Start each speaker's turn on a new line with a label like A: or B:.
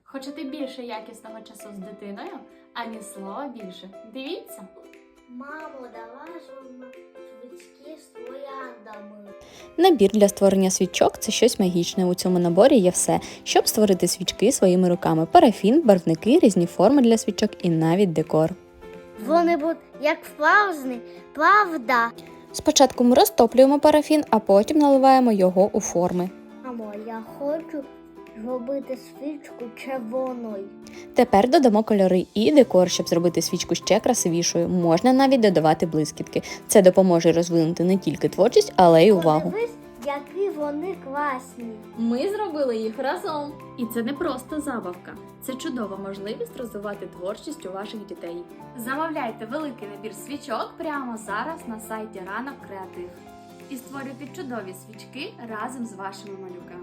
A: Хочете більше якісного часу з дитиною, ані слова більше? Дивіться!
B: Мамо, давай швидкі з трояндами.
C: Набір для створення свічок – це щось магічне. У цьому наборі є все, щоб створити свічки своїми руками. Парафін, барвники, різні форми для свічок і навіть декор.
B: Вони будуть як справжні, правда?
C: Спочатку ми розтоплюємо парафін, а потім наливаємо його у форми.
B: Мамо, я хочу зробити свічку червоною.
C: Тепер додамо кольори і декор, щоб зробити свічку ще красивішою. Можна навіть додавати блискітки. Це допоможе розвинути не тільки творчість, але й увагу.
B: Подивись, які вони класні.
A: Ми зробили їх разом. І це не просто забавка. Це чудова можливість розвивати творчість у ваших дітей. Замовляйте великий набір свічок прямо зараз на сайті Ранок Креатив. І створюйте чудові свічки разом з вашими малюками.